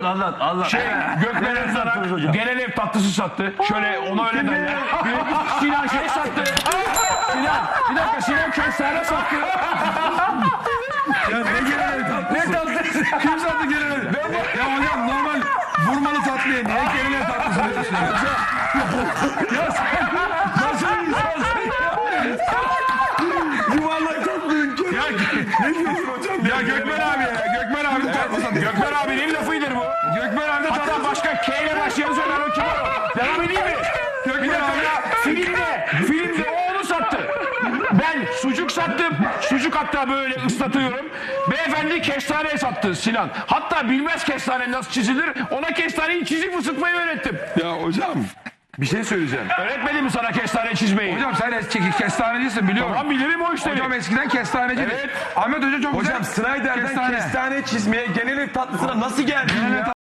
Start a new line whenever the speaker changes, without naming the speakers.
Anlat.
Gökmen Özdanak genel ev tatlısı sattı. Şöyle ona öyle derler. Sinan şey sattı. Sinan kestane sattı.
Ya ne genel tatlısı?
Ne tatlısı?
Kim sattı genel ev? Ya hocam normal vurmalı tatlıya niye genel ev tatlısı diyorsun ya?
Ya sen nasıl bir insansın ya?
Yuvarlak tatlının
Ya,
ne diyorsun hocam?
ya Gökmen abi ya. Gökmen abi tatlısı. Gökmen abinin lafıdır bu.
Gökmen abi de
Hatta
tatlısı.
başka K ile başlayan söyler o kim o? Devam edeyim mi? Bir dakika ya. Filmde o onu sattı. Ben sucuk sattım. Sucuk hatta böyle ıslatıyorum. Beyefendi kestane sattı Sinan. Hatta bilmez kestane nasıl çizilir. Ona kestaneyi çizip ısıtmayı öğrettim.
Ya hocam bir şey söyleyeceğim.
Öğretmedim mi sana kestane çizmeyi?
Hocam sen eski kestanecisin biliyorum.
Tamam bilirim o işleri.
Hocam eskiden kestanecidir.
Evet.
Ahmet Hoca çok
Hocam
güzel
Snyder'den kestane çizmeye genel ev tatlısına nasıl geldin ya?